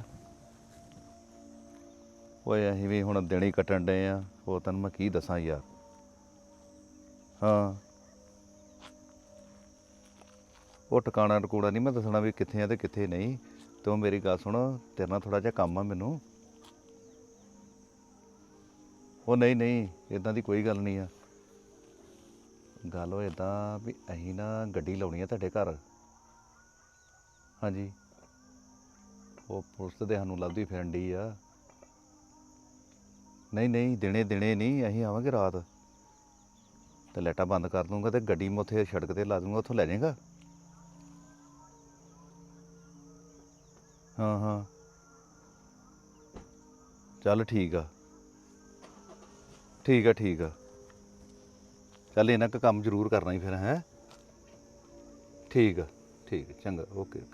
S12: ਓਏ ਅਸੀਂ ਵੀ ਹੁਣ ਦਿਨ ਹੀ ਕੱਟਣ ਡਏ ਆ, ਉਹ ਤੈਨੂੰ ਮੈਂ ਕੀ ਦੱਸਾਂ ਯਾਰ। ਹਾਂ ਉਹ ਟਿਕਾਣਾ ਟਕੂੜਾ ਨਹੀਂ ਮੈਂ ਦੱਸਣਾ ਵੀ ਕਿੱਥੇ ਆ ਤੇ ਕਿੱਥੇ ਨਹੀਂ। ਤੂੰ ਮੇਰੀ ਗੱਲ ਸੁਣ, ਤੇਰੇ ਨਾਲ ਥੋੜਾ ਜਿਹਾ ਕੰਮ ਆ ਮੈਨੂੰ। ਉਹ ਨਹੀਂ ਨਹੀਂ ਇਦਾਂ ਦੀ ਕੋਈ ਗੱਲ ਨਹੀਂ ਆ। ਗੱਲ ਉਹ ਇਦਾਂ ਵੀ ਅਸੀਂ ਨਾ ਗੱਡੀ ਲਾਉਣੀ ਆ ਤੁਹਾਡੇ ਘਰ। ਹਾਂਜੀ ਉਹ ਪੁਲਿਸ ਤੇ ਸਾਨੂੰ ਲੱਭਦੀ ਫਿਰਨ ਡਈ ਆ। ਨਹੀਂ ਨਹੀਂ ਦਿਨੇ ਦਿਨੇ ਨਹੀਂ, ਅਸੀਂ ਆਵਾਂਗੇ ਰਾਤ ਤੇ ਲਾਈਟਾਂ ਬੰਦ ਕਰ ਦੂੰਗਾ ਤੇ ਗੱਡੀ ਮੈਂ ਉੱਥੇ ਸੜਕ ਤੇ ਲਾ ਦੂੰਗਾ, ਉੱਥੋਂ ਲੈ ਜਾਏਗਾ। ਹਾਂ ਹਾਂ ਚੱਲ ਠੀਕ ਆ ਠੀਕ ਆ ਠੀਕ ਆ। ਚੱਲ ਇਹਨਾਂ ਕੁ ਕੰਮ ਜ਼ਰੂਰ ਕਰਨਾ ਹੀ ਫਿਰ। ਹੈ ਠੀਕ ਆ ਠੀਕ ਆ, ਚੰਗਾ ਓਕੇ ਓਕੇ।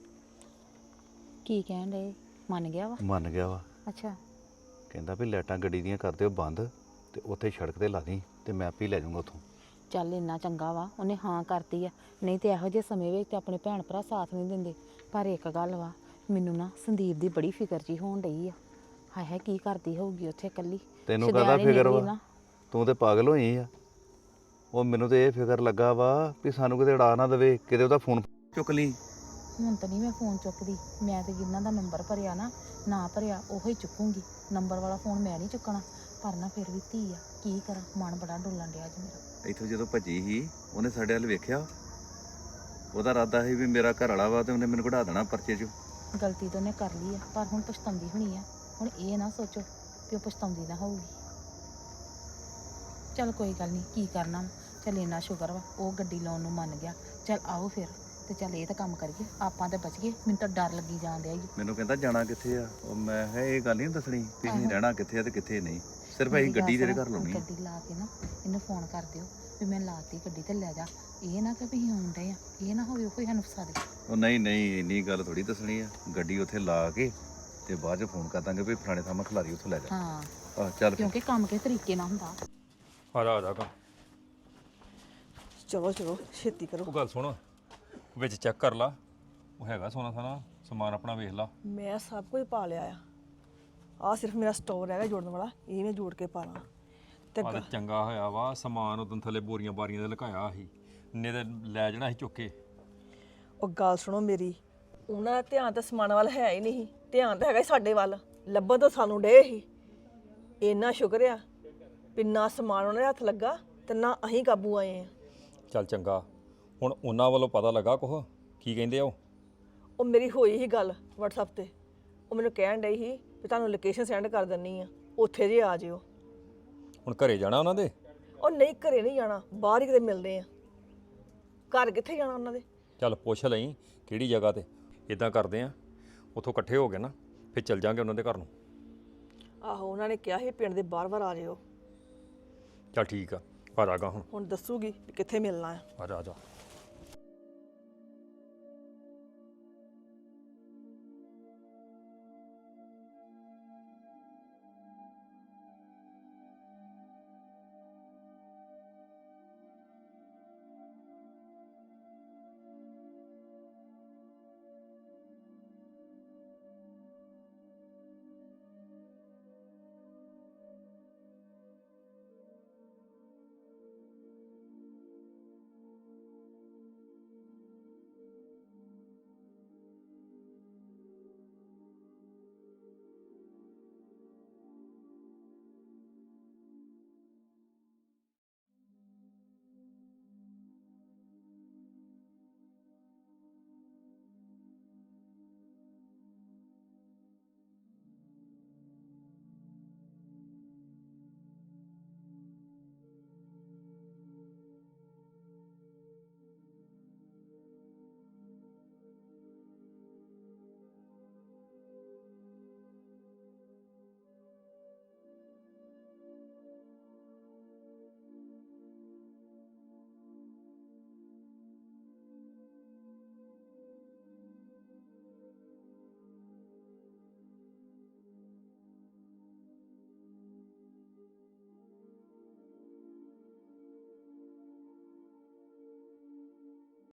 S11: ਕੀ ਕਹਿਣ ਡਏ? ਮੰਨ ਗਿਆ ਵਾ?
S12: ਮੰਨ ਗਿਆ ਵਾ।
S11: ਅੱਛਾ
S12: ਕਹਿੰਦਾ ਵੀ ਲਾਈਟਾਂ ਗੱਡੀ ਦੀਆਂ ਕਰ ਦਿਓ ਬੰਦ ਤੇ ਉੱਥੇ ਸੜਕ ਤੇ ਲਾ ਦੀ ਤੇ ਮੈਂ ਆਪੇ ਲੈ ਜਾਊਂਗਾ ਉੱਥੋਂ।
S11: ਚੱਲ ਇੰਨਾ ਚੰਗਾ ਵਾ ਉਹਨੇ ਹਾਂ ਕਰਤੀ ਆ, ਨਹੀਂ ਤੇ ਇਹੋ ਜਿਹੇ ਸਮੇਂ ਵਿੱਚ ਤੇ ਆਪਣੇ ਭੈਣ ਭਰਾ ਸਾਥ ਨਹੀਂ ਦਿੰਦੇ। ਪਰ ਇੱਕ ਗੱਲ ਵਾ, ਮੈਨੂੰ ਨਾ ਸੰਦੀਪ ਦੀ ਬੜੀ ਫਿਕਰ ਜੀ ਹੋਣ ਡਈ ਆ। ਹਾਏ ਹਾਏ ਕੀ ਕਰਦੀ ਹੋਊਗੀ ਉੱਥੇ ਇਕੱਲੀ।
S12: ਤੈਨੂੰ ਕਾਹਦਾ
S11: ਸ਼ੁਦੈਣੀ
S12: ਫਿਕਰ
S11: ਨਿਕਲੀ
S12: ਵਾ?
S11: ਨਾ।
S12: ਤੂੰ ਤੇ ਪਾਗਲ ਹੋਈ ਆ। ਉਹ ਮੈਨੂੰ ਤੇ ਇਹ ਫਿਕਰ ਲੱਗਾ ਵਾ ਵੀ ਸਾਨੂੰ ਕਿਤੇ ਉਡਾ ਨਾ ਦੇਵੇ, ਕਿਤੇ ਉਹਦਾ ਫੋਨ ਚੁੱਕ ਲਈ।
S11: ਹੁਣ ਤਾਂ ਨਹੀਂ ਮੈਂ ਫੋਨ ਚੁੱਕਦੀ, ਮੈਂ ਤੇ ਜਿਨ੍ਹਾਂ ਦਾ ਨੰਬਰ ਭਰਿਆ ਨਾ ਭਰਿਆ ਉਹੋ ਹੀ ਚੁੱਕੂੰਗੀ। ਨੰਬਰ ਵਾਲਾ ਫੋਨ ਮੈਂ ਨਹੀਂ ਚੁੱਕਣਾ। ਪਰ ਨਾ ਫਿਰ ਵੀ ਧੀ ਆ, ਕੀ ਕਰਾਂ, ਮਨ ਬੜਾ ਡੋਲਣ ਡਿਆ ਅੱਜ ਮੇਰਾ।
S12: ਇੱਥੋਂ ਜਦੋਂ ਭੱਜੀ ਸੀ ਉਹਨੇ ਸਾਡੇ ਵੱਲ ਵੇਖਿਆ, ਉਹਦਾ ਇਰਾਦਾ ਸੀ ਵੀ ਮੇਰਾ ਘਰ ਵਾਲਾ ਵਾ ਤੇ ਉਹਨੇ ਮੈਨੂੰ ਕਢਾ ਦੇਣਾ ਪਰਚੇ 'ਚੋਂ।
S11: ਗਲਤੀ ਤਾਂ ਉਹਨੇ ਕਰ ਲਈ ਆ, ਪਰ ਹੁਣ ਪਛਤਾਉਂਦੀ ਹੋਣੀ ਆ। ਹੁਣ ਇਹ ਨਾ ਸੋਚੋ ਕਿ ਉਹ ਪਛਤਾਉਂਦੀ ਨਾ ਹੋਊਗੀ। ਚੱਲ ਕੋਈ ਗੱਲ ਨਹੀਂ, ਕੀ ਕਰਨਾ। ਚੱਲ ਇੰਨਾ ਸ਼ੁਕਰ ਵਾ ਉਹ ਗੱਡੀ ਲਾਉਣ ਨੂੰ ਮੰਨ ਗਿਆ। ਚੱਲ ਆਓ ਫਿਰ ਤੇ ਚੱਲ ਇਹ ਤਾਂ ਕੰਮ ਕਰੀਏ, ਆਪਾਂ ਤਾਂ ਬਚ ਗਏ। ਮੈਨੂੰ ਤਾਂ ਡਰ ਲੱਗੀ ਜਾਣ ਡਿਆ ਈ।
S12: ਮੈਨੂੰ ਕਹਿੰਦਾ ਜਾਣਾ ਕਿੱਥੇ ਆ। ਉਹ ਮੈਂ ਕਿਹਾ ਇਹ ਗੱਲ ਨਹੀਂ ਦੱਸਣੀ ਵੀ ਅਸੀਂ
S11: ਆਹੋ।
S12: ਰਹਿਣਾ ਕਿੱਥੇ ਆ ਤੇ ਕਿੱਥੇ ਨਹੀਂ, ਸਿਰਫ
S11: ਮੇਰੀ
S12: ਅਸੀਂ ਗੱਡੀ
S11: ਗੱਲ
S12: ਤੇਰੇ
S11: ਸੁਣੋ,
S12: ਘਰ ਲਾਉਣੀ ਆ।
S11: ਗੱਡੀ ਲਾ ਕੇ ਨਾ ਇਹਨੂੰ ਫੋਨ ਕਰ ਦਿਓ ਵੀ ਮੈਂ ਲਾਤੀ ਗੱਡੀ ਤੇ ਲੈ ਜਾ। ਇਹ ਨਾ ਕਿ ਵੀ ਅਸੀਂ ਆਉਣ ਡਏ ਆ, ਇਹ ਨਾ ਹੋਵੇ ਉਹ ਕੋਈ ਸਾਨੂੰ ਫਸਾ ਦੇ।
S12: ਉਹ ਨਹੀਂ ਨਹੀਂ ਇੰਨੀ ਗੱਲ ਥੋੜੀ ਦੱਸਣੀ ਆ। ਗੱਡੀ ਉੱਥੇ ਲਾ ਕੇ ਤੇ ਬਾਅਦ 'ਚ ਫੋਨ ਕਰ ਦਾਂਗੇ ਵੀ ਫਲਾਣੇ ਥਾਂ ਮੈਂ ਖਿਲਾਰੀ ਉੱਥੋਂ ਲੈ ਜਾ।
S11: ਹਾਂ
S12: ਆਹ ਚੱਲ ਫਿਰ।
S11: ਕਿਉਂਕਿ ਕੰਮ ਕਿਸ ਤਰੀਕੇ ਨਾਲ ਹੁੰਦਾ।
S9: ਆ ਜਾ ਕਾ
S8: ਚਲੋ ਚਲੋ ਛੇਤੀ ਕਰੋ।
S9: ਉਹ ਗੱਲ ਸੁਣ, ਵਿੱਚ ਚੈੱਕ ਕਰ ਲਾ, ਉਹ ਹੈਗਾ ਸੋਨਾ ਸਾਨਾ ਸਮਾਨ ਆਪਣਾ ਵੇਖ ਲਾ।
S8: ਮੈਂ ਸਭ ਕੁਝ ਪਾ ਲਿਆ ਆ ਸਿਰਫ ਮੇਰਾ ਸਟੋਰ ਹੈਗਾ ਜੋੜਨ ਵਾਲਾ, ਇਹ ਮੈਂ ਜੋੜ ਕੇ ਪਾ ਲਾਂ ਤੇ
S9: ਆ ਤੇ ਚੰਗਾ ਹੋਇਆ ਵਾ, ਸਮਾਨ ਉਦੋਂ ਥੱਲੇ ਬੋਰੀਆਂ ਬਾਰੀਆਂ ਦੇ ਲੁਕਾਇਆ ਸੀ, ਨੇ ਤੇ ਲੈ ਜਾਣਾ ਸੀ ਚੁੱਕ ਕੇ।
S8: ਉਹ ਗੱਲ ਸੁਣੋ ਮੇਰੀ, ਉਹਨਾਂ ਦਾ ਧਿਆਨ ਤਾਂ ਸਮਾਨ ਵੱਲ ਹੈ ਹੀ ਨਹੀਂ, ਧਿਆਨ ਤਾਂ ਹੈਗਾ ਸਾਡੇ ਵੱਲ। ਲੱਭਣ ਤਾਂ ਸਾਨੂੰ ਡੇ ਹੀ। ਇੰਨਾ ਸ਼ੁਕਰ ਆ ਵੀ ਨਾ ਸਮਾਨ ਉਹਨਾਂ ਦੇ ਹੱਥ ਲੱਗਾ ਤੇ ਨਾ ਅਸੀਂ ਕਾਬੂ ਆਏ ਆ।
S9: ਚੱਲ ਚੰਗਾ, ਹੁਣ ਉਹਨਾਂ ਵੱਲੋਂ ਪਤਾ ਲੱਗਾ ਕੁਛ, ਕੀ ਕਹਿੰਦੇ ਆ
S8: ਉਹ ਮੇਰੀ ਹੋਈ ਹੀ ਗੱਲ WhatsApp ਤੇ, ਉਹ ਮੈਨੂੰ ਕਹਿਣ ਡਈ ਸੀ ਵੀ ਤੁਹਾਨੂੰ ਲੋਕੇਸ਼ਨ ਸੈਂਡ ਕਰ ਦਿੰਨੀ ਆ, ਉੱਥੇ ਜੇ ਆ ਜਿਓ।
S9: ਹੁਣ ਘਰੇ ਜਾਣਾ ਉਹਨਾਂ ਦੇ?
S8: ਉਹ ਨਹੀਂ ਘਰੇ ਨਹੀਂ ਜਾਣਾ, ਬਾਹਰ ਹੀ ਕਿਤੇ ਮਿਲਦੇ ਆ। ਘਰ ਕਿੱਥੇ ਜਾਣਾ ਉਹਨਾਂ ਦੇ?
S9: ਚੱਲ ਪੁੱਛ ਲਈ ਕਿਹੜੀ ਜਗ੍ਹਾ ਤੇ। ਇਦਾਂ ਕਰਦੇ ਆ, ਉੱਥੋਂ ਇਕੱਠੇ ਹੋ ਗਏ ਨਾ ਫਿਰ ਚੱਲ ਜਾਾਂਗੇ ਉਹਨਾਂ ਦੇ ਘਰ ਨੂੰ।
S8: ਆਹੋ ਉਹਨਾਂ ਨੇ ਕਿਹਾ ਸੀ ਪਿੰਡ ਦੇ ਬਾਰ-ਬਾਰ ਆ ਜਿਓ।
S9: ਚੱਲ ਠੀਕ ਆ, ਆ ਜਾਗਾ ਹੁਣ
S8: ਦੱਸੂਗੀ ਵੀ ਕਿੱਥੇ ਮਿਲਣਾ ਆ।
S9: ਆ ਜਾ ਆ ਜਾ।